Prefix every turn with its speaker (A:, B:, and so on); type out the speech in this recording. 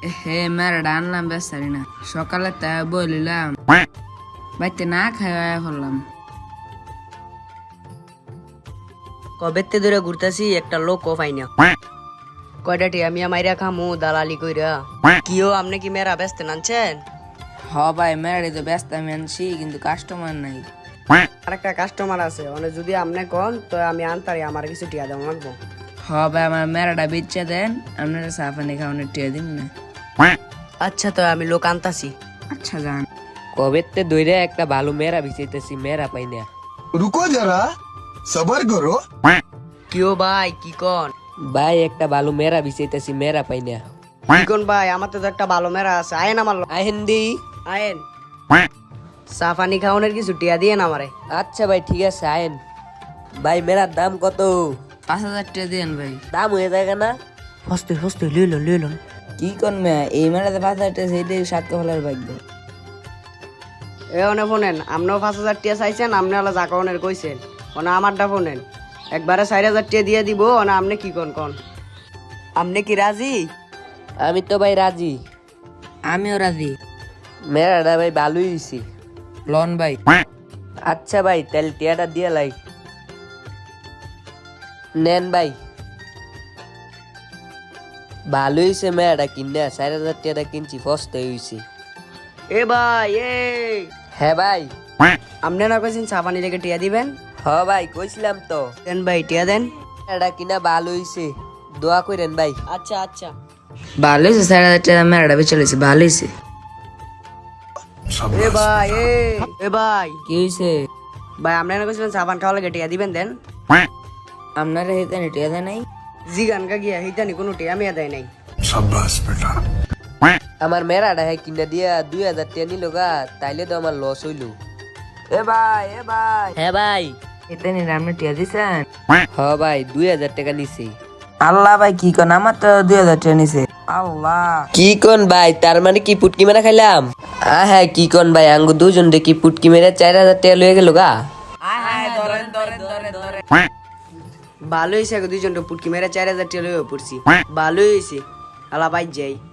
A: হে মেয়েটা আনলাম বেচারি না সকালে তা বলিলাম বাইতে না খাওয়া করলাম।
B: কবেতে ধরে ঘুরতেছি একটা লোক পাই না। কয়টা টিয়া মিয়া মাইরা খামু দালালি কইরা। কিও আপনি কি মেরা ব্যস্ত নানছেন?
A: হ ভাই মেয়েটা তো ব্যস্ত আমি আনছি কিন্তু কাস্টমার নাই।
B: আরেকটা কাস্টমার আছে মানে যদি আপনি কোন তো আমি আনতারি আমার কিছু টিয়া দেওয়া লাগবো।
A: হ ভাই আমার মেয়েটা বেচা দেন আপনারা চা পানি খাওয়ানোর টিয়া দিন না।
B: আচ্ছা তো আমি লোক আনতাছি।
A: আচ্ছা যান।
C: কবেতে দইরা একটা ভালো মেয়েরা ভিজাইতেছি মেয়েরা পাই না।
D: रुको जरा सबर करो।
B: কিও ভাই কি কোন?
C: ভাই একটা ভালো মেয়েরা ভিজাইতেছি মেয়েরা পাই না।
B: কি কোন ভাই আমার তো একটা ভালো মেরা আছে আয়েন আমার
C: আহেন্দি।
B: আয়েন সাফানি খাওয়ানোর কিছু টিয়া দিয়ে না আমারে।
C: আচ্ছা ভাই ঠিক আছে আয়েন। ভাই মেরার দাম কত?
A: 5,000 টাকা দেন ভাই।
C: দাম হয়ে যায় না?
B: হস্তে হস্তে লইলন।
A: কি করবে এই মেয়েটাতে 5,000 টাকা সেইটাই সাত কপালের ভাগ্য।
B: এ অনে ফোনেন আপনিও 5,000 টিয়া চাইছেন আপনি হলো জাকাউনের কইছেন মানে আমারটা ফোনেন একবারে 4,000 টিয়া দিয়ে দিব না আপনি কি কোন আপনি কি রাজি?
C: আমি তো ভাই রাজি।
A: আমিও রাজি।
C: মেয়েরাটা ভাই ভালোই হইছি।
A: লন ভাই।
C: আচ্ছা ভাই তাহলে টিয়াটা দিয়ে লাই। নেন ভাই। ভালো হইছে মেয়েটা কিনা 4,000 টিয়াটা কিনছি ফস্তে হইছে।
B: এ ভাই এ
C: হ্যাঁ ভাই।
B: আপনি না কইছেন সাফানি লেগে টিয়া দিবেন?
C: হ ভাই কইছিলাম তো।
B: দেন ভাই টিয়া দেন।
C: এটা কিনা ভালো হইছে দোয়া করেন ভাই।
B: আচ্ছা
A: ভালো হয়েছে 4,000 টাকা মেয়েটা বেচে লইছে ভালো হয়েছে।
B: এ ভাই এ ভাই
A: কি হয়েছে?
B: ভাই আপনি না কইছিলেন সাবান খাওয়া লাগে টিয়া দিবেন দেন।
A: আপনারা হেতে টিয়া দেয় নাই?
B: জি গান কা গিয়া হিতানি কোনো টিয়া মিয়া দেয় নাই।
D: शाबाश बेटा।
C: আমার মেয়েরাটা হ্যাঁ কিনা দিয়া 2,000 টাকা নিল গা তাইলে তো আমার লস হইল।
A: এ ভাই
C: হ্যাঁ ভাই।
A: হেতে নিলে আপনি টিয়া দিছেন?
C: হ ভাই 2,000 টাকা নিছি।
A: আল্লাহ ভাই কি কোন আমার তো 2,000 টাকা নিছে। আল্লাহ
C: কি কোন ভাই তার মানে কি পুটকি মেরা খাইলাম? হ্যাঁ কি কোন ভাই আঙ্গু দুজন দেখি পুটকি মেরে 4,000 টাকা লয়ে গেল গা।
B: ভালো হয়েছে দুইজন পুটকি মেরে 4,000 টিয়া লইয়া পড়ছি ভালো হয়েছে আলা ভাই যাই।